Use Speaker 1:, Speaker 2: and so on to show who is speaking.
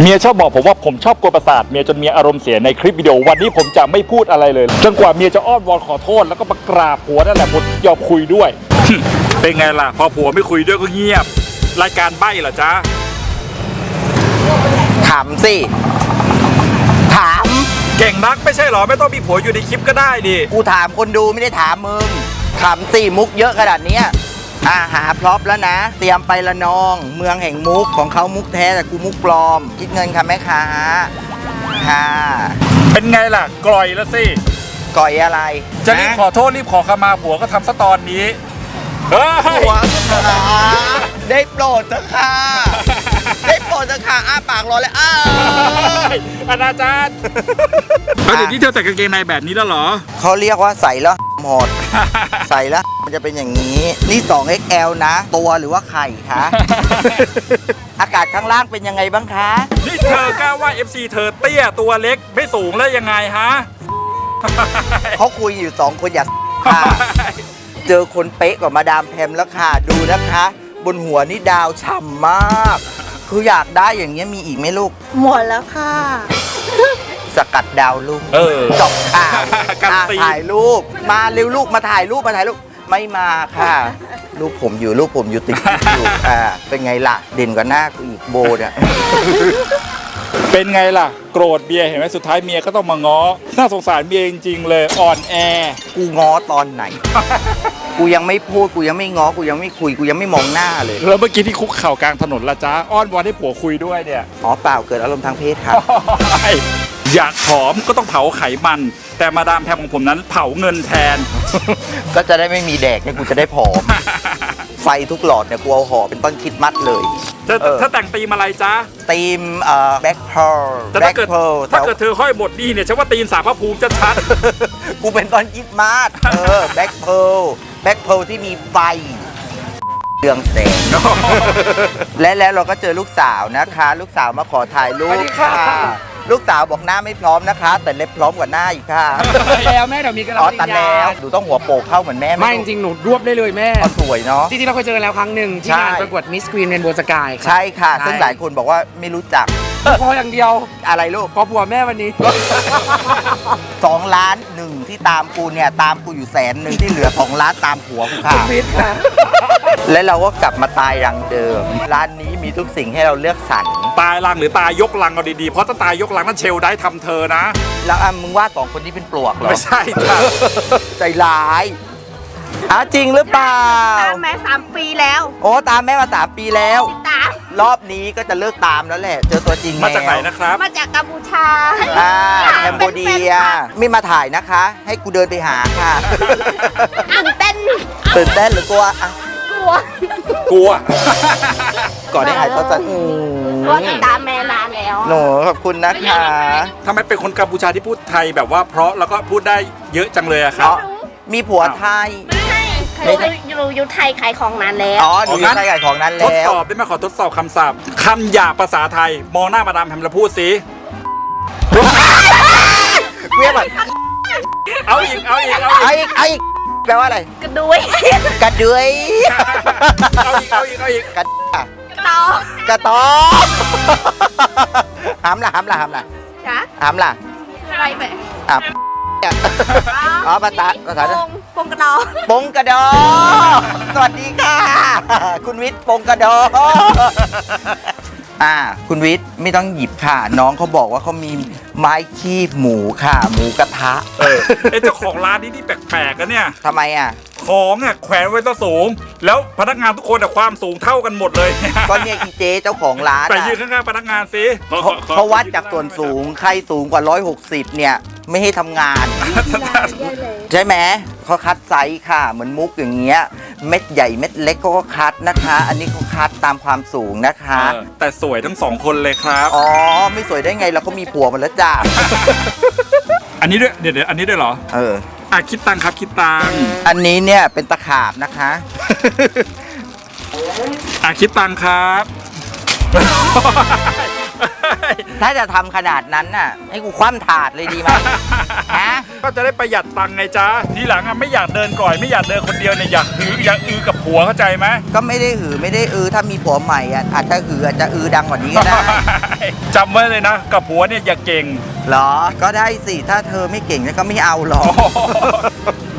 Speaker 1: เมียชอบบอกผมว่าผมชอบกวนประสาทเมียจนเมียอารมณ์เสียในคลิปวิดีโอวันนี้ผมจะไม่พูดอะไรเลยจนกว่าเมียจะอ้อนวอนขอโทษแล้วก็มากราบผัวนั่นแหละผมยอมคุยด้วย เป็นไงล่ะพอผัวไม่คุยด้วยก็เงียบรายการใบ้เหรอจ๊ะ
Speaker 2: ถามสิถาม
Speaker 1: เก่งนักไม่ใช่หรอไม่ต้องมีผัวอยู่ในคลิปก็ได้ดิ
Speaker 2: กูถามคนดูไม่ได้ถามมึงถามสิมุกเยอะขนาดนี้หาพร็อพแล้วนะเตรียมไปละนองเมืองแห่งมุกของเขามุกแท้แต่กูมุกปลอมคิดเงินค่ะแม่ค้าค่ะ
Speaker 1: เป็นไงล่ะกล่อยแล้วสิ
Speaker 2: ก่อยอะไร
Speaker 1: จะรีบขอโทษรีบขอขมาผัวก็ทำซะตอนนี้
Speaker 2: ผัวได้โปรดเถอะค่ะได้โปรดเถอะค่ะอ้าปากรอเลย
Speaker 1: อนาจารย์เดี๋ยวนี้เธอใส่กางเกงในแบบนี้แล้วเหรอ
Speaker 2: เขาเรียกว่าใส่แล้วหมดใส่แล้วมันจะเป็นอย่างนี้นี่ 2XL นะตัวหรือว่าไข่คะอากาศข้างล่างเป็นยังไงบ้างคะ
Speaker 1: นี่เธอกล้าว่า FC เธอเตี้ยตัวเล็กไม่สูงแล้วยังไงฮะ
Speaker 2: เขาคุยอยู่2คนอยากค่ะเจอคนเป๊ะกว่ามาดามแพมแล้วค่ะดูนะคะบนหัวนี่ดาวฉ่ำมากคืออยากได้อย่างเงี้ยมีอีกไหมลูก
Speaker 3: หมดแล้วค่ะ
Speaker 2: สกัดดาวลูกจบข่าวถ่ายรูปมาเร็วลูกมาถ่ายรูปไม่มาค่ะรูปผมอยู่ติดอยู่เป็นไงล่ะเด่นกว่าหน้ากูอีกโบเนี่ย
Speaker 1: เป็นไงล่ะโกรธเมียเห็นไหมสุดท้ายเมียก็ต้องมาง้อน่าสงสารเมียจริงๆเลยอ่อนแอ
Speaker 2: กูง้อตอนไหน กูยังไม่พูดกูยังไม่ง้อกูยังไม่คุยกูยังไม่มองหน้าเลย
Speaker 1: แล้วเมื่อกี้ที่คุกเข่ากลางถนนละจ้าอ้อนวอนให้ผัวคุยด้วยเนี่ย
Speaker 2: อ๋อเปล่าเกิดอารมณ์ทางเพศครับ
Speaker 1: อยากผอมก็ต้องเผาไขมันแต่มาดามแพมของผมนั้นเผาเงินแทน
Speaker 2: ก็จะได้ไม่มีแดกเนี่ยกูจะได้ผอมไฟทุกหลอดเนี่ยกูเอาห่อเป็นต้นคริสต์มาสเลย
Speaker 1: ถ้าแต่งธีมอะไรจ๊ะ
Speaker 2: ธีมแบ็คเพร์ล
Speaker 1: แต่ถ้าเกิดเธอห้อยหมดนี่เนี่ยฉันว่าธีมสารพระภูมิจะชัด
Speaker 2: กูเป็นต้นคริสต์มาสแบ็คเพร์ลที่มีไฟเรืองแสงและเราก็เจอลูกสาวนะคะลูกสาวมาขอถ่ายรูปค่ะลูกสาวบอกหน้าไม่พร้อมนะคะแต่เล็บพร้อมกว่าหน้าอีกค่ะ
Speaker 4: แล้วแม่เดี๋ยวมีกัน
Speaker 2: ตัดแล้วหนูต้องหัวโปกเข้าเหมือนแม่
Speaker 4: ไม่จริงหนูรวบได้เลยแม่
Speaker 2: สวยเนาะ
Speaker 4: จริงๆเราเคยเจอกันแล้วครั้งหนึ่งที่งานประกวดมิสกรีนเรนโบว์สกาย
Speaker 2: ใช่ค่ะซึ่งหลายคนบอกว่าไม่รู้จัก
Speaker 4: พออย่างเดียว
Speaker 2: อะไรลูก
Speaker 4: พอผัวแม่วันนี้
Speaker 2: 2 ล้าน1ที่ตามกูเนี่ยตามกูอยู่100,000ที่เหลือ2 ล้านตามผัวกูค่ะและเราก็กลับมาตายรังเดิมร้านนี้มีทุกสิ่งให้เราเลือกสรร
Speaker 1: ตายรังหรือตายยกรังเอาดีๆเพราะถ้าตายยกรังนั่นเชลได้ทำเธอนะ
Speaker 2: แล้วมึงว่า2 คนนี้เป็นปลวกเหรอ
Speaker 1: ไม่ใช่จ้ะ
Speaker 2: ใจร้ายจริงหรือเปล่า
Speaker 3: ตามแม่3 ปีแล้ว
Speaker 2: โอ้ตามแม่มา3 ปีแล้ว
Speaker 3: ตาม
Speaker 2: รอบนี้ก็จะเลิกตามแล้วแหละเจอตัวจริง
Speaker 1: มาจากไหนนะครับ
Speaker 3: มาจากกัมพูชา
Speaker 2: แคมโบเดียไม่มาถ่ายนะคะให้กูเดินไปหาค่ะ
Speaker 3: ตื่นเต้น
Speaker 2: หรือกลัว
Speaker 1: กลัว
Speaker 2: ก่อนได้หายตัวจัน
Speaker 3: ก็ติดตามแม่นานแล้ว
Speaker 2: หนูขอบคุณนะคะ
Speaker 1: ทำไมเป็นคนกัมพูชาที่พูดไทยแบบว่าเพราะแล้วก็พูดได้เยอะจังเลยอะครับ
Speaker 2: มีผัวไทย
Speaker 3: ไม่อยู่ไทยขายของนานแล้ว
Speaker 2: หนูอยู่ไทยขายของนานแล้ว
Speaker 1: ทดสอบได้ไหมขอทดสอบคำศัพท์คำหยาบภาษาไทยมองหน้ามาดามแพมแล้วพูดสิ
Speaker 2: เรียกแบบ
Speaker 1: เอาอีก
Speaker 2: แปลว่าอะไร
Speaker 3: กระดุย
Speaker 1: เอาอีก
Speaker 2: กระตอหามล่ะ
Speaker 3: จ๊ะ
Speaker 2: หามล่ะ
Speaker 3: อะไรไป
Speaker 2: ภาษา
Speaker 3: ปงกระดอ
Speaker 2: ปงกระดอสวัสดีค่ะคุณวิทย์ปงกระดอคุณวิทย์ไม่ต้องหยิบค่ะน้องเขาบอกว่าเขามีไม้คีบหมูค่ะหมูกระทะ
Speaker 1: เจ้าของร้านนี้ที่แปลกๆกันเนี่ย
Speaker 2: ทำไม
Speaker 1: ของแขวนไว้ซะสูงแล้วพนักงานทุกคนความสูงเท่ากันหมดเลย
Speaker 2: ก็เนี่ยอีเจเจ้าของร้าน
Speaker 1: ไปยืนข้างๆพนักงานสิ
Speaker 2: เขาวัดจากส่วนสูงใครสูงกว่า160เนี่ยไม่ให้ทำงานใช่ไหมเขาคัดไซส์ค่ะเหมือนมุกอย่างเงี้ยเม็ดใหญ่เม็ดเล็กก็คัดนะคะอันนี้เขาคัดตามความสูงนะคะ
Speaker 1: แต่สวยทั้ง2 คนเลยครับ
Speaker 2: ไม่สวยได้ไงเราก็มีผัวมาแล้วจ้า
Speaker 1: อันนี้ด้วยเดี๋ยวอันนี้ด้วยเหรอคิดตังครับคิดตัง
Speaker 2: อันนี้เนี่ยเป็นตะขาบนะคะ
Speaker 1: คิดตังครับ
Speaker 2: ถ้าจะทำขนาดนั้นน่ะ ให้กูคว่ำถาดเลยดีไหม ฮะ
Speaker 1: ก็จะได้ประหยัดตังค์ไงจ๊ะทีหลังอ่ะไม่อยากเดินก่อยไม่อยากเดินคนเดียวเนี่ยอยากอือกับผัวเข้าใจไหม
Speaker 2: ก็ไม่ได้ไม่ได้ถ้ามีผัวใหม่อ่ะอาจจะอาจจะดังกว่านี้ก็ได้
Speaker 1: จำไว้เลยนะกับผัวเนี่ยอย่าเก่ง
Speaker 2: เหรอ ก็ได้สิ ถ้าเธอไม่เก่งก็ไม่เอาหรอก